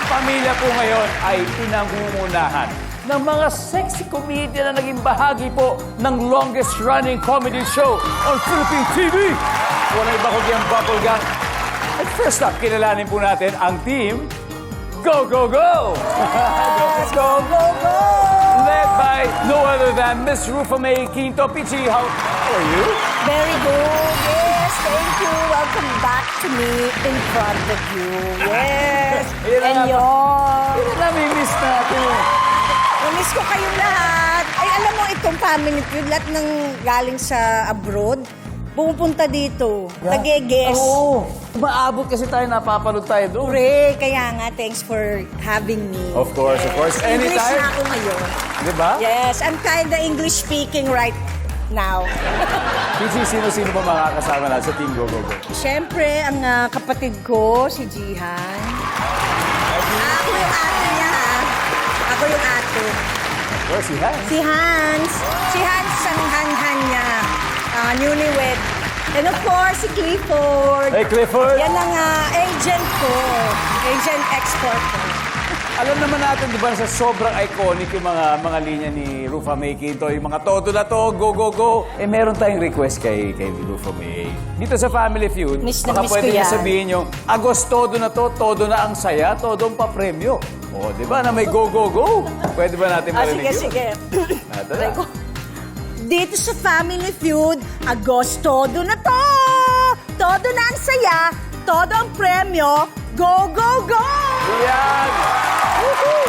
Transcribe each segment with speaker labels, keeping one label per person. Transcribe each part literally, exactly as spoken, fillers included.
Speaker 1: pamilya po ngayon ay pinangungunahan ng mga sexy comedian na naging bahagi po ng longest-running comedy show on Philippine T V. Walang iba kundi ang Bubble Gang. At first up, kilalanin po natin ang team Go, Go, Go!
Speaker 2: Let's go, go, go!
Speaker 1: Led by no other than Miss Rufa May Quinto. Pichi, how are you?
Speaker 2: Very good. Yes, thank you. Welcome back to me in front of you. Yes.
Speaker 1: Ayun na
Speaker 2: And
Speaker 1: nga po.
Speaker 2: yun.
Speaker 1: Yun na miss natin.
Speaker 2: Namiss ko kayong lahat. Ay, alam mo, itong family feud, lahat ng galing sa abroad, pumupunta dito. Nag-guess.
Speaker 1: Oo. Maabot kasi tayo, napapanood tayo doon.
Speaker 2: Pre, kaya nga, thanks for having me.
Speaker 1: Of course, of course.
Speaker 2: English
Speaker 1: Anytime.
Speaker 2: na ako ngayon.
Speaker 1: Di ba?
Speaker 2: Yes, I'm kinda English speaking right now.
Speaker 1: Pichi, sino-sino ba makakasama na sa Team Go, Go, Go?
Speaker 2: Siyempre, ang ah, kapatid ko, si Jihan. Ah, ako yung ate niya, ha? Ako yung ate.
Speaker 1: Of course, si Hans.
Speaker 2: Si Hans. Si Hans, ang han-han niya. Ah, newlywed. And of course, si Clifford.
Speaker 1: Hey, Clifford.
Speaker 2: Yan ang ah, agent ko. Agent export ko.
Speaker 1: Alam naman natin, di ba, sa sobrang iconic yung mga mga linya ni Rufa May Quinto, yung mga todo na to, go, go, go. Eh, meron tayong request kay, kay Rufa May. Dito sa Family Feud,
Speaker 2: Miss na
Speaker 1: baka
Speaker 2: miss
Speaker 1: pwede
Speaker 2: ko
Speaker 1: niya
Speaker 2: yan.
Speaker 1: sabihin yung, Agos todo na to, todo na ang saya, todo ang papremyo. O, di ba, na may go, go, go. Pwede ba natin
Speaker 2: Ah,
Speaker 1: marinig
Speaker 2: sige,
Speaker 1: yun?
Speaker 2: sige.
Speaker 1: Ito na.
Speaker 2: Dito sa Family Feud, Agos, todo na to! Todo na ang saya, todo ang premyo, go, go, go!
Speaker 1: Yan! Woohoo!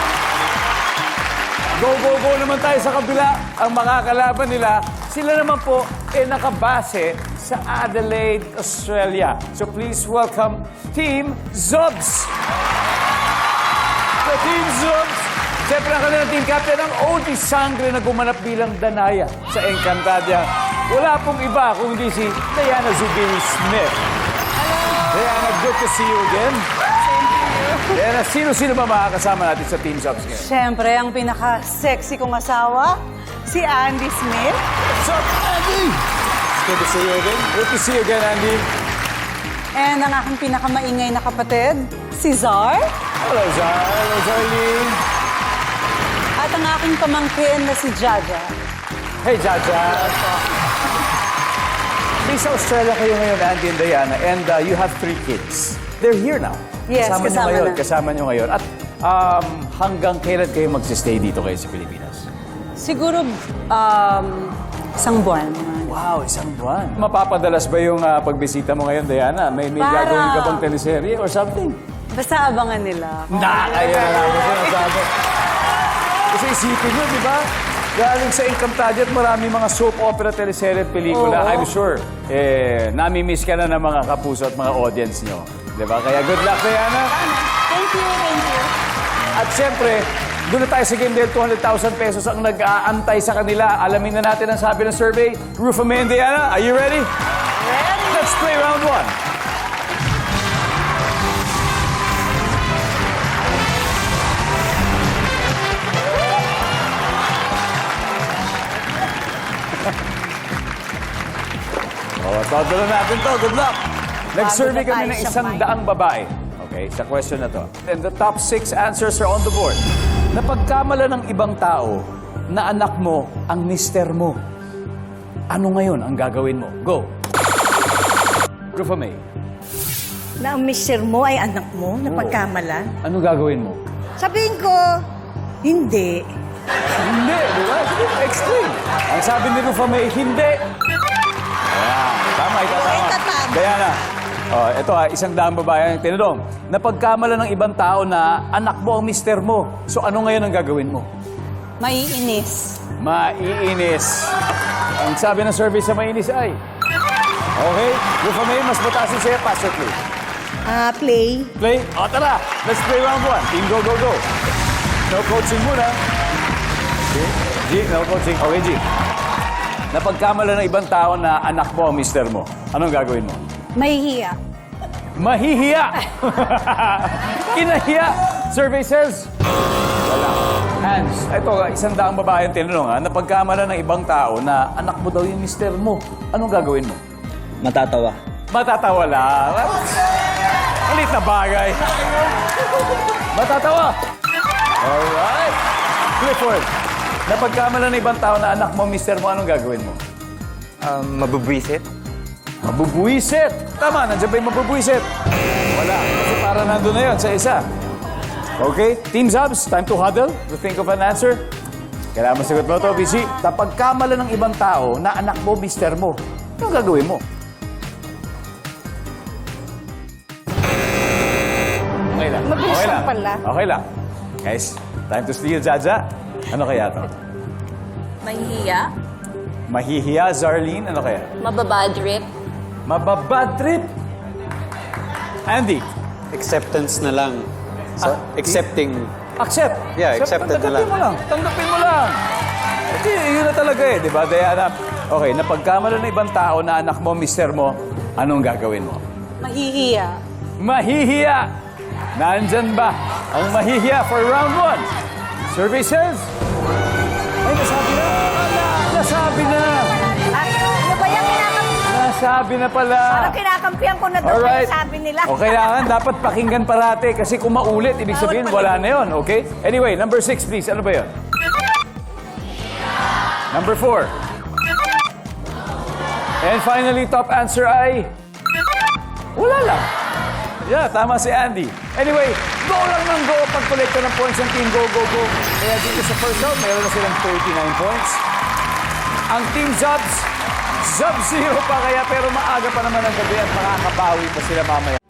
Speaker 1: Go, go, go naman tayo sa kabila. Ang mga kalaban nila, sila naman po ay nakabase sa Adelaide, Australia. So please welcome Team Zubs! The Team Zubs! Siyempre ang kanilang team captain ang Odi Sangre na gumanap bilang Danaya sa Encantadia. Wala pong iba kundi si Diana Zubiri Smith. Hello! Diana, good to see you again. Diana, sino-sino ba makakasama natin sa Team Zubs ngayon?
Speaker 3: Siyempre, ang pinaka-sexy kong asawa, si Andy Smith.
Speaker 1: What's up, Andy? Good to see you again. Good to see you again, Andy.
Speaker 3: And ang aking pinakamaingay na kapatid, si Zar.
Speaker 1: Hello, Zar. Hello, Zarlene.
Speaker 3: At ang aking pamangkin na si Jaja.
Speaker 1: Hey, Jaja. Sa Australia kayo ngayon, Andy and Diana, and uh, you have three kids. They're here now.
Speaker 3: Yes,
Speaker 1: kasama nyo
Speaker 3: kasama
Speaker 1: ngayon,
Speaker 3: na.
Speaker 1: Kasama nyo ngayon. At um, hanggang kailan kayo magsistay dito kayo sa Pilipinas?
Speaker 3: Siguro, um, isang buwan.
Speaker 1: Wow, isang buwan. Mapapadalas ba yung uh, pagbisita mo ngayon, Diana? May, may
Speaker 3: Para-
Speaker 1: gagawin ka bang teleserye or something?
Speaker 3: Basta abangan nila.
Speaker 1: Na, kaya na namin sinasabi. Kasi isipin nyo, di ba? Galing sa Encantadia at marami mga soap opera, teleserye at pelikula.
Speaker 3: Oo.
Speaker 1: I'm sure, eh, nami-miss ka na ng mga kapuso at mga audience nyo. Di ba? Kaya good luck, Diana.
Speaker 3: Thank you, thank you.
Speaker 1: At siyempre, doon na tayo sa game dahil two hundred thousand pesos ang nag-aantay sa kanila. Alamin na natin ang sabi ng survey. Rufa May and Diana, are you ready?
Speaker 3: Ready?
Speaker 1: Let's play round one. Oh, todo na natin to. Good luck. Nag-survey
Speaker 2: Bago na
Speaker 1: kami
Speaker 2: tayo
Speaker 1: ng
Speaker 2: sa
Speaker 1: isang
Speaker 2: mic.
Speaker 1: daang babae. Okay, sa question na to. And the top six answers are on the board. Napagkamala ng ibang tao na anak mo ang mister mo. Ano ngayon ang gagawin mo? Go. Rufa May,
Speaker 2: Na ang mister mo ay anak mo, na pagkamalan.
Speaker 1: ano gagawin mo?
Speaker 2: Sabihin ko, hindi.
Speaker 1: Hindi, di ba? Sige, explain. Ang sabi ni Rufa May, hindi. Ayan, tama, ikaw
Speaker 2: Oo,
Speaker 1: tama.
Speaker 2: itatama.
Speaker 1: Diana, oh, ito ah, isang daang babae ang tinanong. Napagkamala ng ibang tao na anak mo ang mister mo. So ano ngayon ang gagawin mo?
Speaker 3: Maiinis.
Speaker 1: Maiinis. Ang sabi ng survey sa mainis ay... Okay, Rufa May, mas mataas yung sa'yo. Pass or play?
Speaker 2: Ah, play.
Speaker 1: Play? O, tara. Let's play round one. Team go, go, go. No coaching muna. G, G, no coaching. Okay, G. Napagkamala ng ibang tao na anak mo ang mister mo. Anong gagawin mo?
Speaker 3: Mahihiya.
Speaker 1: Mahihiya! Kinahiya! Survey says... Wala. Hans, ito, isang daang babae ang tinanong ha, napagkamala ng ibang tao na anak mo daw yung mister mo. Anong gagawin mo?
Speaker 4: Matatawa.
Speaker 1: Matatawa lang. Malit na bagay. Matatawa. Alright. Clifford, napagkamalan ng ibang tao na anak mo, mister mo, anong gagawin mo?
Speaker 4: Um, mabubwisit?
Speaker 1: Mabubuisit. Tama, nandiyan ba yung mabubuisit? Wala. Kasi para nandun na yun sa isa. Okay, Team Zubs, time to huddle to think of an answer. Kailangan masagot mo ito, B C. Napagkamalan ng ibang tao na anak mo, mister mo, anong gagawin mo? Okay lang.
Speaker 2: Mabilis
Speaker 1: okay
Speaker 2: lang pala.
Speaker 1: Okay lang. Guys, time to steal, Jaja. Ano kaya to?
Speaker 5: Mahihiya,
Speaker 1: Mahihiya, Zarlene? Ano kaya?
Speaker 5: mababad trip,
Speaker 1: Mababad trip. Andy,
Speaker 4: Acceptance na lang. So, accepting.
Speaker 1: accept.
Speaker 4: Yeah, accepted na lang.
Speaker 1: Tanggapin mo lang. Tanggapin mo lang. Hindi, yun na talaga eh, di ba, Diana? Okay, napagkamalan ng ibang tao na anak mo, mister mo, anong gagawin mo?
Speaker 3: Mahihiya.
Speaker 1: Mahihiya. Nandyan ba ang mahihiya for round one? Survey says... Ay, nasabi na. Nasabi na.
Speaker 2: Ay, ano ba yung kinakampihan?
Speaker 1: Nasabi na pala.
Speaker 2: Parang kinakampihan ko na doon
Speaker 1: Alright.
Speaker 2: yung sabi nila.
Speaker 1: O kailangan dapat pakinggan parate kasi kung maulit, ibig sabihin wala na yun, okay? Anyway, number six, please. Ano ba yun? Number four. And finally, top answer ay... Wala lang. Yeah, tama si Andy. Anyway, go lang ng go pag-collecta ng points ng team Go, Go, Go. Kaya dito sa first round, meron na silang thirty-nine points. Ang team Zubs, Zub zero pa kaya pero maaga pa naman ang gabi at makakabawi pa sila mamaya.